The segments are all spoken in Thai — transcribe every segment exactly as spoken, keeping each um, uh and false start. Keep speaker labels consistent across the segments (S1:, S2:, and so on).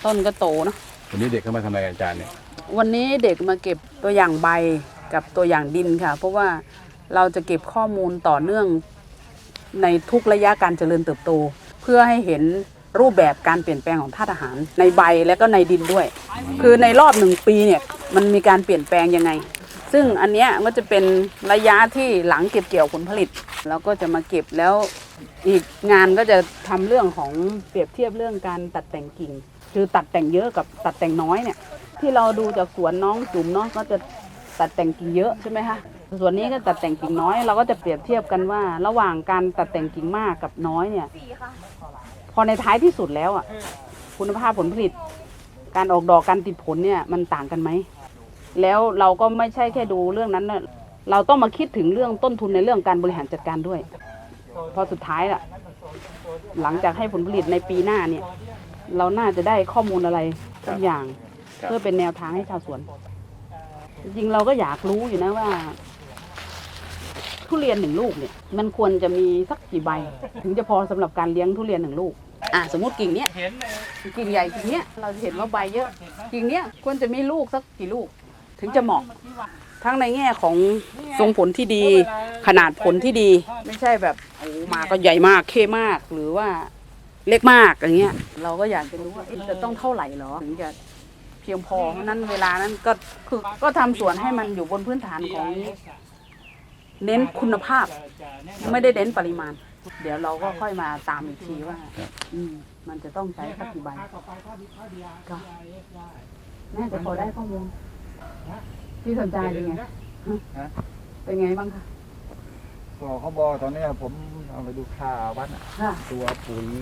S1: ต้นก็โตเนาะ
S2: วันนี้เด็กเข้ามาทำอะไรอาจารย์เนี่ย
S1: วันนี้เด็กมาเก็บตัวอย่างใบกับตัวอย่างดินค่ะเพราะว่าเราจะเก็บข้อมูลต่อเนื่องในทุกระยะการเจริญเติบโตเพื่อให้เห็นรูปแบบการเปลี่ยนแปลงของธาตุอาหารในใบและก็ในดินด้วยคือในรอบหนึ่งปีเนี่ยมันมีการเปลี่ยนแปลงยังไงซึ่งอันเนี้ยก็จะเป็นระยะที่หลังเก็บเกี่ยวผลผลิตแล้วก็จะมาเก็บแล้วอีกงานก็จะทำเรื่องของเปรียบเทียบเรื่องการตัดแต่งกิ่งคือตัดแต่งเยอะกับตัดแต่งน้อยเนี่ยที่เราดูจากสวนน้องจุ๋มเนาะก็จะตัดแต่งกิ่งเยอะใช่ไหมคะส่วนนี้ก็ตัดแต่งกิ่งน้อยเราก็จะเปรียบเทียบกันว่าระหว่างการตัดแต่งกิ่งมากกับน้อยเนี่ยพอในท้ายที่สุดแล้วอ่ะคุณภาพผลผลิตการออกดอกการติดผลเนี่ยมันต่างกันไหมแล้วเราก็ไม่ใช่แค่ดูเรื่องนั้นนะเราต้องมาคิดถึงเรื่องต้นทุนในเรื่องการบริหารจัดการด้วยพอสุดท้ายล่ะหลังจากให้ผลผลิตในปีหน้าเนี่ยเราน่าจะได้ข้อมูลอะไรทุกอย่างเพื่อเป็นแนวทางให้ชาวสวนจริงๆเราก็อยากรู้อยู่นะว่าทุเรียนหนึ่งลูกเนี่ยมันควรจะมีสักกี่ใบถึงจะพอสำหรับการเลี้ยงทุเรียนหนึ่งลูกอ่ะสมมติกิ่งเนี้ยกิ่งใหญ่กิ่งเนี้ยเราจะเห็นว่าใบเยอะกิ่งเนี้ยควรจะมีลูกสักกี่ลูกถึงจะเหมาะทั้งในแง่ของทรงผลที่ดีขนาดผลที่ดีไม่ใช่แบบโอ้มาก็ใหญ่มากเข้มากหรือว่าเล็กมากอย่างเงี้ยเราก็อยากจะรู้ว่าจะต้องเท่าไหร่หรอถึงจะเพียงพอเพราะนั้นเวลานั้นก็คือก็ทำสวนให้มันอยู่บนพื้นฐานของเน้นคุณภาพไม่ได้เน้นปริมาณเดี๋ยวเราก็ค่อยมาตามอีกทีว่าอืมมันจะต้องใช้สักกี่ใบก็น่าจะพอได้ข้อมูลที่สนใจเป็นไงเป็นไงบ้างคะ
S3: ก็เขาบอกตอนนี้ผมเอาไปดูค่าวัดตัวปุ๋ย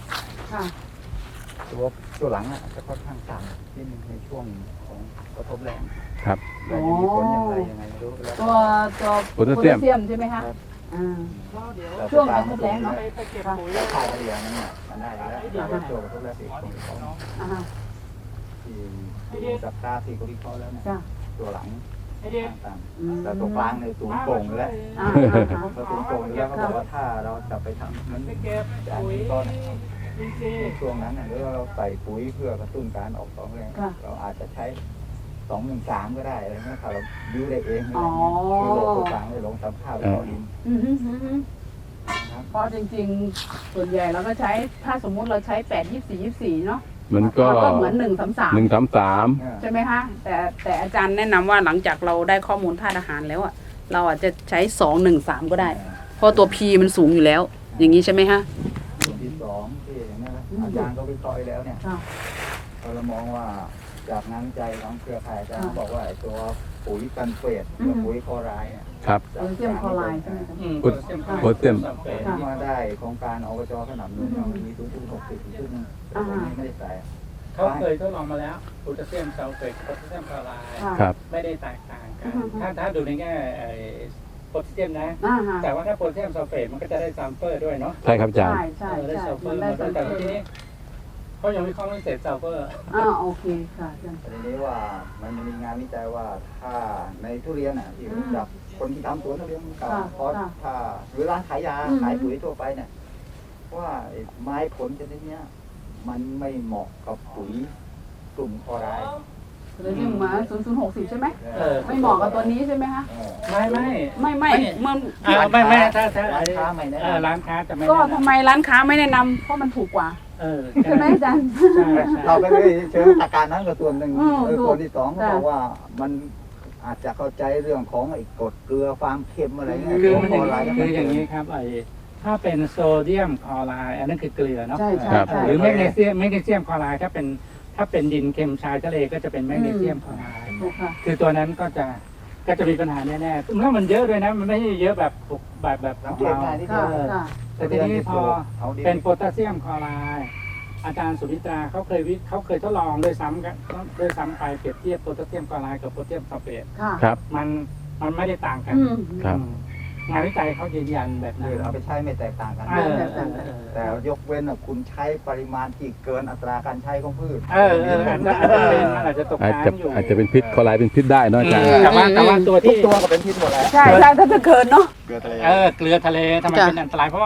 S3: ตัวตัวหลังอ่ะจะค่อนข้างต่ำที่ในช่วงของกระทบแรง
S2: ครับ
S3: แต่ยังมีผลอย่างไรยังไงไม่รู้แล้ว
S1: ตัวตัวโพแทสเซียมใช่ไหมคะช่วงกระทบแรงเนาะ
S3: ค่าเฉลี่ยนั้นเนี่ยมันได้แล้วแต่ช่วงกระทบแรงที่ของที่สัปดาห์ที่เขาวิเคราะห์แล้วเนี่ยตัวหลังต่างๆแต่ตัวกลางในสูงโป่งแล้วตัวสูงโป่งแล้วเขาบอกว่าถ้าเราจะไปทำมันจะอันนี้ก็ในช่วงนั้นหรือว่าเราใส่ปุ๋ยเพื่อกระตุ้นการออกดอกแรงเราอาจจะใช้สองหนึ่งสามก็ได้อะไรเงี้ยถ้าเราบิ้วได้เองคือโลตัวกลางได้ลงตามข้าวต่อดิน
S1: เพราะจริงๆส่วนใหญ่เราก็ใช้ถ้าสมมุติเราใช้แปดยี่สี่ยี่สี่เนาะ
S2: มันก็
S1: เหมือนหนึ่งสามสาม
S2: หนึ่งสามสาม
S1: ใช่ไหมคะแต่แต่อาจารย์แนะนำว่าหลังจากเราได้ข้อมูลธาตุอาหารแล้วอ่ะเราอาจจะใช้สองหนึ่งสามก็ได้เพราะตัว P มันสูงอยู่แล้วอย่างนี้ใช่ไหมคะ
S3: ส่วนที่สองที่อย่างนี้อาจารย์ก็วิเคราะห์แล้วเนี่ยเรามองว่าจากงานวิจัยของเครือข่ายอาจารย์บอกว่าตัวปุ๋ยกันเฟสกับปุ๋ยคลอไรด์เนี่ย
S2: ครับ
S1: โพแทสเซียมคลอไรด์ใช่ไหมคะ
S2: โพแทสเซียม
S3: มาได้โครงการอบจขนำนุ่นมีทุนทุนหกสิบทุนนึงแต่ตรงนี้ไม่ได้ใส่
S4: เขาเคยทดลองมาแล้วโพแทสเซียมซัลเฟตโพแทสเซียมคลอไรด์ไม่ได้แตกต่างกันถ้าถ้าดูในแง่โพแทสเซียมนะแต่ว่าถ้าโพแทสเซียมซัลเฟตมันก็จะได้ซัลเฟอร์ด้วยเนาะ
S2: ใช่ครับอาจารย์
S1: ใช่ใช่
S4: ได้ซัลเฟอร์แต่ทีนี้เขายังไม่เข้าไม่เสร็จซัลเฟอร์
S1: อ่าโอเคค่ะ
S3: ทีนี้ว่ามันมีงานวิจัยว่าถ้าในทุเรียนอ่ะที่จากคนที่ทำสวนทุเรียนเก่าเพราะถ้าหรือร้านขายยาขายปุ๋ยทั่วไปเนี่ยว่าไม้ผลชนิดนี้มันไม่เหมาะกับปุ๋ยกลุ่มคลอไรด์
S1: เลยที่มาศูนย์ศูนย์หกสิบใช่ไหมไม่เหมาะกับตัวนี้ใช่ไหมคะ
S4: ไม่ไม่
S1: ไม่ไม่มัน
S4: ไม่ไม่ถ้าถ้าร้านค้าไม่แนะนำร้านค้าจะไม่
S1: ก็ทำไมร้านค้าไม่แนะนำเพราะมันถูกกว่าใช่ไหมอาจารย์
S3: เราไม่ได้เชิงอาการนั้นกับส่วนหนึ่งส่วนที่สองเขาบอกว่ามันอาจจะเข้าใจเรื่องของไอ้กรดเกลือความเค็มอะไรเงี้ย
S4: คือมันคืออย่างนี้ครับไอ้ถ้าเป็นโซเดียมคลอไรด์อันนั้นคือเกลือเนาะหรือแมกนีเซียมแมกนีเซียมคลอไรด์ถ้าเป็นถ้าเป็นดินเค็มชายทะเลก็จะเป็นแมกนีเซียมคลอไรด์คือตัวนั้นก็จะก็จะมีปัญหาแน่ๆเมื่อมันเยอะด้วยนะมันไม่ใช่เยอะแบบแบบแบบของเราแต่ทีนี้พอเป็นโพแทสเซียมคลอไรด์อาจารย์สุนิตราเขาเคยวิเขาเคยทดลองด้วยซ้ำกันด้วยซ้ำไปเปรียบเทียบโพแทสเซียมคลอไรด์กับโพแทสเซียมซัลเฟต
S2: ครับ
S4: มันมันไม่ได้ต่างกัน
S2: ครับ
S4: งานวิจัยเขายืนยันแบบนั้น
S3: เอาไปใช้ไม่แตกต่างกันแต่ยกเว้นคุณใช้ปริมาณที่เกินอัตราการใช้ของพืช
S4: เออเอออาจจะตกน้ำอยู่
S2: อาจจะเป็นพิษคลอไรด์เป็นพิษได้เนาะอาจารย์
S4: แต่ว่าแต่ว่าตัวที่
S3: ตัวก็เป็นพิษหมดแล้ว
S1: ใช่ใช่ถ้าจะเกินเนาะ
S4: เกลือทะเลเออเกลือทะเลทำไมเป็นอันตรายเพราะว่า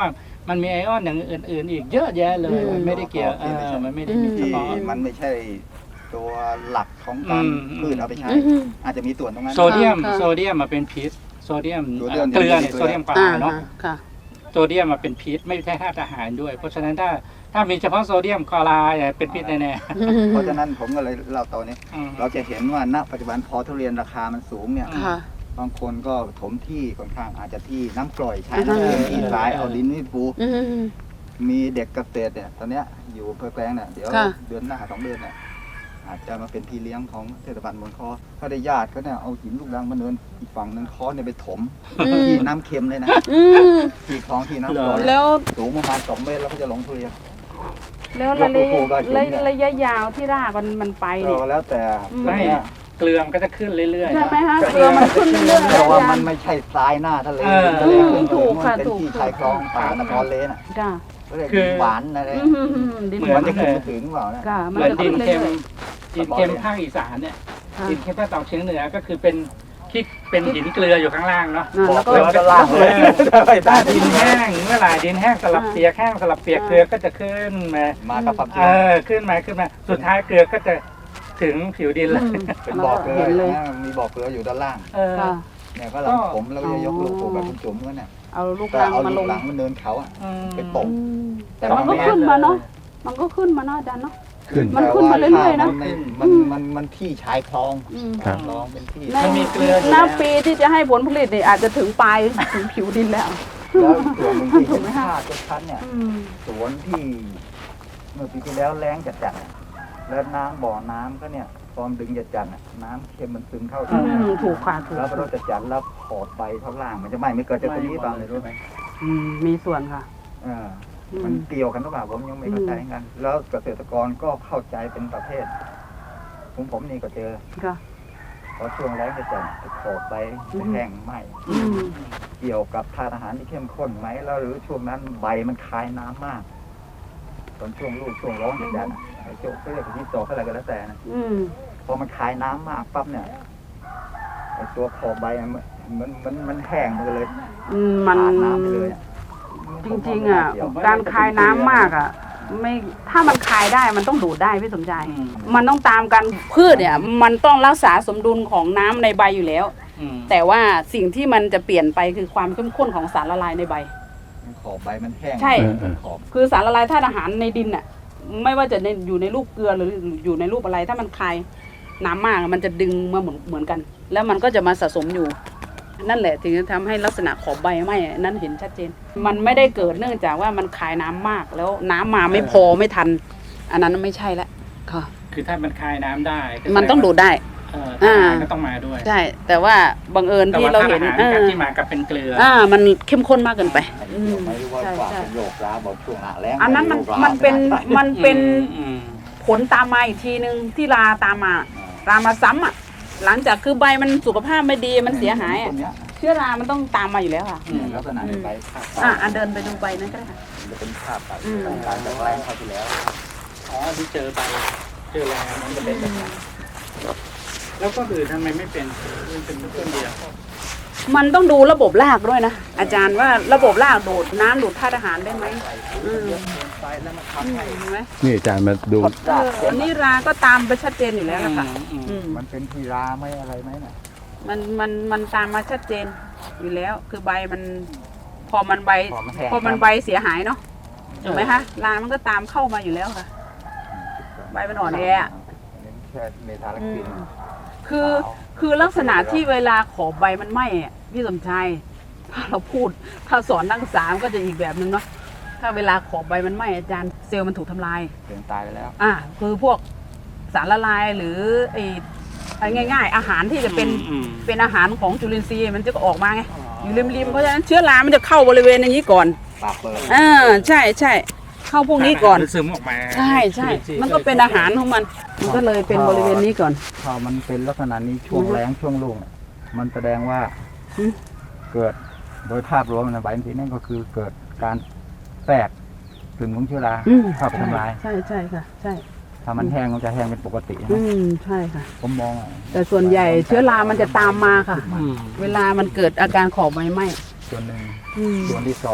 S4: มันมีไอออนอย่างอื่นๆ อีกเยอะแยะเลยมันไม่ได้เกี่ยวเออมันไม่ได้มีเฉ
S3: ที่
S4: พาะ
S3: มันไม่ใช่ตัวหลักของการ
S4: อืม
S3: พืชเอาไปใช้
S1: อืม
S3: อาจจะมีส่วนตรงนั้น
S4: โซเดียม
S1: ค่ะ
S4: โซเดียมมาเป็นพิษโซเดียม
S3: โซเดียม
S4: เกลือเนี่ย
S3: เกลือ
S4: โซเดียมคลอ
S1: อ่า
S4: ไรด์เนาะ
S1: ค่ะ
S4: โซเดียมมาเป็นพิษไม่ใช่ธาตุอาหารด้วย เพราะฉะนั้นถ้าถ้ามีเฉพาะโซเดียมคลอไรด์เนี่ยเป็นพิษแน่
S3: เพราะฉะนั้นผมก็เลยเล่าตอนนี้
S4: ๆอืม
S3: เราจะเห็นว่าณปัจจุบันพอทุเรียนราคามันสูงเนี่ย
S1: ค่ะ
S3: บางคนก็ถมที่ค่อนข้างอาจจะที่น้ำกร่อยใช้น้ำเค็มที่ทรายเอาดินนี่ปู
S1: อืม
S3: มีเด็กเกษตรเนี่ยตอนเนี้ยอยู่อำเภอแกลงเนี่ยเดี๋ยว
S1: ค่ะ
S3: เดือนหน้าสองเดือนเนี่ยอาจจะมาเป็นพี่เลี้ยงของเทศบาลบนคอเขาได้ญาติเขาเนี่ยเอาหินลูกรังมาเนินอีกฝั่งนึงคอเนี่ยไปถม
S1: อืม
S3: ที่น้ำเค็มเลยนะ
S1: อืม
S3: ที่คลองที่น้ำกร่อย
S1: แล้ว
S3: สูงประมาณสองเมตรแล้วก็จะลงทุเรียน
S1: แล้วระยะ
S3: ปลูกได้จริงเนี่ย
S1: ระยะยาวที่รากมันมันไป
S3: เอ
S1: เนี่ย
S3: อแล้วแต่
S1: อืม
S3: ตอนเนี้ย
S4: เกลือมันก็จะขึ้นเรื่อยๆ
S1: ใช่ไหม
S4: เนาะ
S1: คะเกลือมันขึ้นเรื่อยๆ
S3: แต่ว่า
S1: อา
S3: มั
S1: จาน รย์
S3: ไม่ใช่ทรายหน้าทะเล
S4: เออ
S3: ทะเล
S1: อืมถูกค่ะ
S3: มันเป็น
S1: ถูก
S3: ที่ชายคลองป่าตะกอนเลนอ่ะ
S1: ค่ะ
S3: ก็เลย
S4: คือ
S3: หวานอะไร
S1: อืมอืมอืมดิน
S4: เหมือน
S3: มันจะขึ้นไปถึงเปล่าเนี่ย
S1: ค่ะ
S4: เห
S1: มัน
S4: มือน
S1: จะ
S4: ดิ
S1: ขึ้
S4: น
S1: น
S4: เค็ม
S1: เรื่อย
S4: ดินเค็มภาคอีสานเนี่ย
S1: ๆค่ะ
S4: ดินเค็มภาคตะวันออกเฉียงเหนือก็คือเป็นที่เป็นหินเกลืออยู่ข้างล่างเนาะ
S1: อ่า
S3: บอ
S1: แล้
S3: ก
S1: วก็
S3: เลยว่าจะล่างเลยไม่ได้
S4: ดินแห้งเมื่อไหร่ดินแห้งสลับเปียกแห้งสลับเปียกเกลือก็จะขึ้นมา
S3: มากับความจริ
S4: เอง อขึ้นมาขึ้นมาสุดท้ายเกลือก็จะถึงผิวดินเลย
S1: อืม
S3: เป็นบ่อเกลือ
S1: เห็นเลย
S3: นะมีบ่อเกลืออยู่ด้านล่าง
S4: เออ
S1: ค่ะ
S3: เนี่ยก็หลังผมแล้วก็จะยกลูกปลูกแบบคุณจุ๋มก็เนี่ย
S1: เอาลูก
S3: ก็
S1: รัง
S3: เอา
S1: มา
S3: ลู
S1: ล
S3: ก
S1: ง
S3: หลังมันเนินเขาอะ
S4: อืม
S3: เป็นปก
S1: อืมแต่มันก็ขึ้นมาเนาะมันก็ขึ้นมาเนาะอาจารย์เนาะ
S2: ขึ้น
S1: มันขึ้นมาเรื่อยๆนะ
S3: แต่ว่ามันมันมันมันที่ชายคลอง
S1: อืม
S2: ครับ
S3: คลองเป็นที่
S1: ใน
S4: มันมีเกลืออยู่
S1: หน้า
S4: แล้ว
S1: ปีที่จะให้ผลผลิตเนี่ยอาจจะถึงปลายถึงผิวดินแล้ว
S3: แล้วส่วนหนึ่งที่
S1: ถู
S3: เห็
S1: ก
S3: น
S1: ไหม
S3: ค่า
S1: คะ
S3: จะชัดเนี่ย
S1: อืม
S3: สวนที่เมื่อปีที่แล้วแล้งจัดจัดๆอะแล้วน้ำบ่อน้ำก็เนี่ยตอนดึงจัดจัดๆอะน้ำเค็มมันซึมเข้า
S1: อื
S3: ถึง
S1: มถูกค่ะถูก
S3: แล้วพอเราจัดจัดๆแล้วขอบใบข้างล่างมันจะไหม้ไม่เกิดจากตรงนี้เปล่าเลยรู้ไหม
S1: อืมมีส่วนค่ะ
S3: เออ
S1: อื
S3: มัน
S1: ม
S3: เกี่ยวกันหรือเปล่าผมยังไม่เข้าใจกัน แล้วเกษตรกรก็เข้าใจเป็นประเภทผมผมนี่ก็เจอ
S1: ค่ะ
S3: พอช่วงแล้งจะจัดขอบใบจะแห้งไหม
S1: อืม
S3: เกี่ยวกับทานอาหารที่เข้มข้นไหมแล้วหรือช่วงนั้นใบมันคายน้ำมากตอนช่วงลูกช่วงร้อนจัดจัดๆอะไอ้โจ๊กเรียกที่โตอะไรก็แล้วแต่นะ
S1: อืม
S3: พอมันคายน้ำมากปั๊บเนี่ยไอ้ตัวขอบใบอะมันมันมันมันแห้งไปเลย
S1: อืมมัน
S3: ขาดน้ำไปเลยอะ
S1: จริงๆอ่ะการคายน้ำมากอ่ะ ไม่ถ้ามันคายได้มันต้องดูดได้พี่สมใจ
S4: อืม
S1: มันต้องตามกันพืชเนี่ย มันต้องรักษาสมดุลของน้ำในใบอยู่แล้ว
S4: อืม
S1: แต่ว่าสิ่งที่มันจะเปลี่ยนไปคือความเข้มข้นของสารละลายในใบ
S3: ขอบใบมันแห้ง
S1: ใช่
S3: ขอบ
S1: คือสารละลายธาตุอาหารในดินน่ะ ไม่ว่าจะในอยู่ในรูปเกลือหรืออยู่ในรูปอะไร ถ้ามันคายน้ำมากมันจะดึงมาเหมือนเหมือนกัน แล้วมันก็จะมาสะสมอยู่ นั่นแหละถึงจะทำให้ลักษณะขอบใบไหม้นั่นเห็นชัดเจน มันไม่ได้เกิดเนื่องจากว่ามันคายน้ำมาก แล้วน้ำมาไม่พอไม่ทัน อันนั้นไม่ใช่ละค่ะ
S4: คือถ้ามันคายน้ำได้ก็
S1: มันต้องดูดได้
S4: เออทานอาหารก็ต้องมาด้วย
S1: ใช่ แต่ว่าบังเอิญ
S4: แต่
S1: ที่
S4: ว่า
S1: เรา
S4: ทาน
S1: เห็
S4: อาน หาร
S1: เอ
S4: กับ
S1: อ
S4: ที่มากับเป็นเกลือ
S1: อ่ามันเข้มข้นมากเกินไป อืม
S3: ไม่รู้ว่า
S1: ใช่
S3: กว่า
S1: ใช่
S3: เป็นโยกร้าบอกช่วงหน้าแล้ง
S1: อันนั้นมัน
S3: โยกร้า
S1: มันเป็นมันเป็น
S4: อืม
S1: ผลตามมาอีกทีนึงที่ราตามมารามาซ้ำอ่ะ หลังจากคือใบมันสุขภาพไม่ดีมันเสียหายอะ
S3: ต้นเนี้ย
S1: เชื้อรามันต้องตามมาอยู่แล้วค่ะ
S4: อืม
S3: ลักษณะในใบภาพ
S1: อ่ะอ่ะเดินไปดูใบนั้นก็ได้ค่ะ
S3: มันจะเป็นภาพแบบ
S1: อืม
S3: การจากแรงเข้าที่แล้ว
S4: อ๋อที่เจอไปเจอแล้วมันจะเป็นแบบนั้นแล้วก็อื่นทำไมไม่เป็นมันเป็นต้นเดียว
S1: มันต้องดูระบบรากด้วยนะ อาจารย์ว่าระบบรากดูดน้ำดูดธาตุอาหารได้ไหมอืม
S3: ไปแล้วมัน
S1: อื
S3: ทำ
S1: ม
S3: ให้
S1: เห็นไหม
S2: นี่อาจารย์มาดู
S3: พด
S1: เอ
S3: ราก
S1: ออันนี้ราก็ตามไปชัดเจนอยู่แล้วนะคะ
S4: อืม
S1: อืม
S3: มันเป็นทีราไหม่อะไรไหมเนี่ย
S1: มันมันมันตามมาชัดเจนอยู่แล้ว คือใบมัน พอมันใบ
S3: พอมันแห้ง
S1: พอมันใบเสียหายเนาะถูกไหมคะรามันก็ตามเข้ามาอยู่แล้วค่ะ ใบมันอ่อนแออะ
S3: เน้นแค่เมทาลักซิน
S1: คือคือลักษณะที่เวลาขอบใบมันไหม้อะพี่สมชายถ้าเราพูดถ้าสอนนักศึกษามันก็จะอีกแบบนึงเนาะถ้าเวลาขอบใบมันไหม้อาจารย์เซลล์มันถูกทำลาย
S3: เสียงตายไปแล้ว
S1: อ่าคือพวกสารละลายหรือไอ้ไอ้ง่าย ๆ อาหารที่จะเป็น
S4: อืม
S1: เป็นอาหารของจุลินทรีย์มันจะออกมาไงอยู่ริมๆเพราะฉะนั้นเชื้อรามันจะเข้าบริเวณอย่างนี้ก่อน
S3: ปากเปิด
S1: อ่าใช่ใช่เข้าพวกนี้ก่อน
S4: ซึมออกมา
S1: ใช่ใช่มันก็เป็นอาหารของมันมันก็เลยเป็นบริเวณนี้ก่อน
S3: ถ้ามันเป็นลักษณะนี้ช่วง
S1: อือฮึ
S3: แรงช่วงรุ่งเนี่ยมันแสดงว่า
S1: อืม
S3: เกิดโดยภาพรวมในใบทีนั่นก็คือเกิดการแตกซึมของเชื้อรา
S1: อืม
S3: เข้าไปทำลาย
S1: ใช่ใช่ค่ะ ใช่
S3: ถ้ามันแห้งมันจะแห้งเป็นปกติ
S1: อื
S3: นะ
S1: มใช่ค่ะ
S3: ผมมองอ่ะ
S1: แต่ส่วนใหญ่เชื้อรามันจะตามมาค่ะ
S4: อืม
S1: เวลามันเกิดอาการขอบใบไหม้
S3: ส่วนหนึ่ง
S1: อืม
S3: ส่วนที่สอง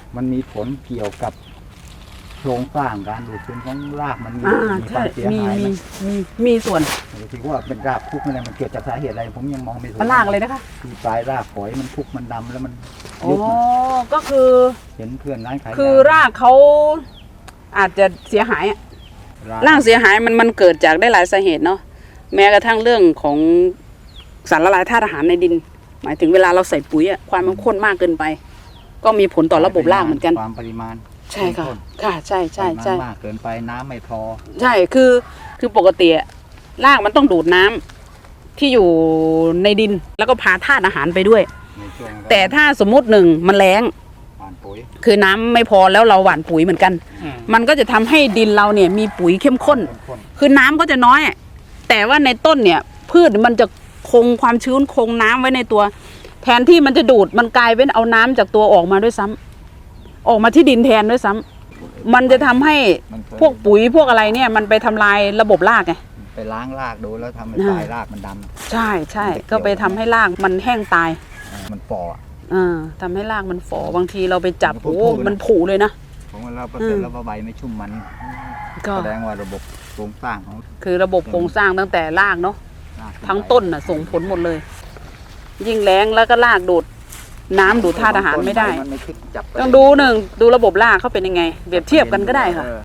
S3: มันมีผลเกี่ยวกับโครงสร้างการดูดซึมของรากมันมี
S1: อ่า
S3: มีค
S1: ใช่
S3: วามเสีย
S1: มี
S3: หายไห
S1: มี
S3: ม
S1: มีมีส่วน
S3: ถือว่าเป็นรากคุกอะไรมันเกิดจากสาเหตุอะไรผมยังมองไม่ถูก
S1: มันลากเลยนะคะ
S3: คือปลายรากฝอยมันคุกมันดำแล้วมัน
S1: อ๋อ
S3: ยุบ
S1: ก็คือ
S3: เห็นเพื่อนร้านขายยา
S1: คือรากเขาอาจจะเสียหายอะรากเสียหายมันมันเกิดจากได้หลายสาเหตุเนาะแม้กระทั่งเรื่องของสารละลายธาตุอาหารในดิน หมายถึงเวลาเราใส่ปุ๋ยอะความมันข้นมากเกินไป ก็มีผลต่อระบบรากเหมือนกัน
S3: ความปริมาณ
S1: ใช่ค่ะค่ะใช่ใช่ใช่
S3: ปริมาณมากเกินไปน้ำไม่พอ
S1: ใช่คือคือปกติอะรากมันต้องดูดน้ำที่อยู่ในดินแล้วก็พาธาตุอาหารไปด้วย
S3: ในช่วง
S1: แต่ถ้าสมมุติหนึ่งมันแล้ง
S3: หว่านปุ๋ย
S1: คือน้ำไม่พอแล้วเราหว่านปุ๋ยเหมือนกัน
S4: อืม
S1: มันก็จะทำให้ดินเราเนี่ยมีปุ๋ยเข้มข้น
S3: ข้น
S1: คือน้ำก็จะน้อย แต่ว่าในต้นเนี่ย พืชมันจะคงความชื้นคงน้ำไว้ในตัว แทนที่มันจะดูดมันกลายเป็นเอาน้ำจากตัวออกมาด้วยซ้ำออกมาที่ดินแทนด้วยซ้ำมันจะทำให้
S3: มันเคย
S1: พวกปุ๋ยพวกอะไรเนี่ย มันไปทำลายระบบรากไง
S3: ไปล้างรากดูแล้วทำให้
S1: อ่า
S3: ปลายรากมันด
S1: ใช่ใช่ก็ไปทำให้รากมันแห้งตาย
S3: ำมันฝ่ออะ
S1: อ่าทำให้รากมันฝ่อบางทีเราไปจับ
S3: มันก็
S1: โอ้
S3: พูดๆนะ
S1: มันผุเลยนะ
S3: ผมว่าเราเปอร์เซ็นต์แล้วว่าใบไม่ชุ่มมัน
S1: ก็
S3: แสดงว่าระบบโครงสร้างของ
S1: คือระบบโครงสร้างตั้งแต่รากเนาะ
S3: ราก
S1: ทั้งต้นน่ะส่งผลหมดเลย ยิ่งแรงแล้วก็รากดูดน้ำดูดธาตุอาหารไม่ได้
S3: มันไม่คิดจับ
S1: ต้องดูหนึ่งดูระบบรากเขาเป็นยังไงเปรียบเทียบกันก็ได้ค่ะ
S3: เออ